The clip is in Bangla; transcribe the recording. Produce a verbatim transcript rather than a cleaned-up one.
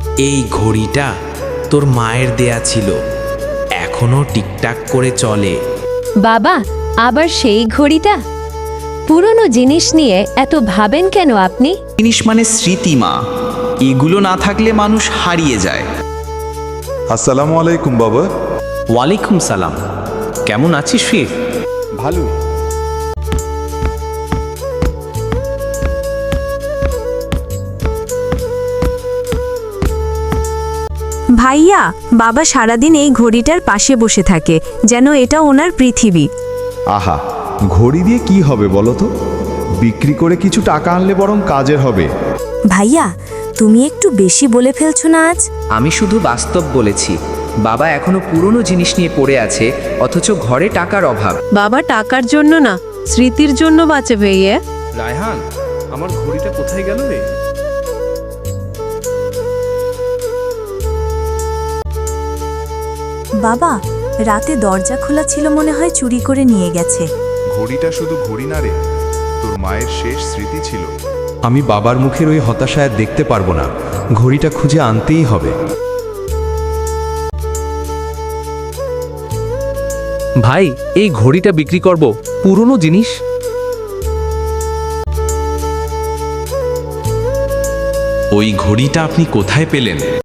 এই ঘড়িটা তোর মায়ের দেয়া ছিল, এখনো টিকটাক করে চলে। বাবা, আবার সেই ঘড়িটা? পুরনো জিনিস নিয়ে এত ভাবেন কেন আপনি? জিনিস মানে স্মৃতি মা, এগুলো না থাকলে মানুষ হারিয়ে যায়। আসসালামু আলাইকুম বাবা। ওয়ালাইকুম সালাম। কেমন আছিস ফির? ভালো। ভাইয়া, বাবা সারাদিন এই ঘড়িটার পাশে বসে থাকে, যেন এটা ওনার পৃথিবী। আহা, ঘড়ি দিয়ে কি হবে বলো তো? বিক্রি করে কিছু টাকা আনলে বরং কাজের হবে। ভাইয়া, তুমি একটু বেশি বলে ফেলছো না আজ? আমি শুধু বাস্তব বলেছি। বাবা এখনো পুরনো জিনিস নিয়ে পড়ে আছে, অথচ ঘরে টাকার অভাব। বাবা টাকার জন্য না, স্মৃতির জন্য বাঁচে ভাইয়া। রায়হান, আমার ঘড়িটা কোথায় গেল রে? বাবা, রাতে দরজা খোলা ছিল, মনে হয় চুরি করে নিয়ে গেছে। ঘড়িটা শুধু ঘড়ি না রে, তোর মায়ের শেষ স্মৃতি ছিল। আমি বাবার মুখের ওই হতাশা আর দেখতে পারবো না, ঘড়িটা খুঁজে আনতেই হবে। ভাই, এই ঘড়িটা বিক্রি করব, পুরনো জিনিস। ওই ঘড়িটা আপনি কোথায় পেলেন?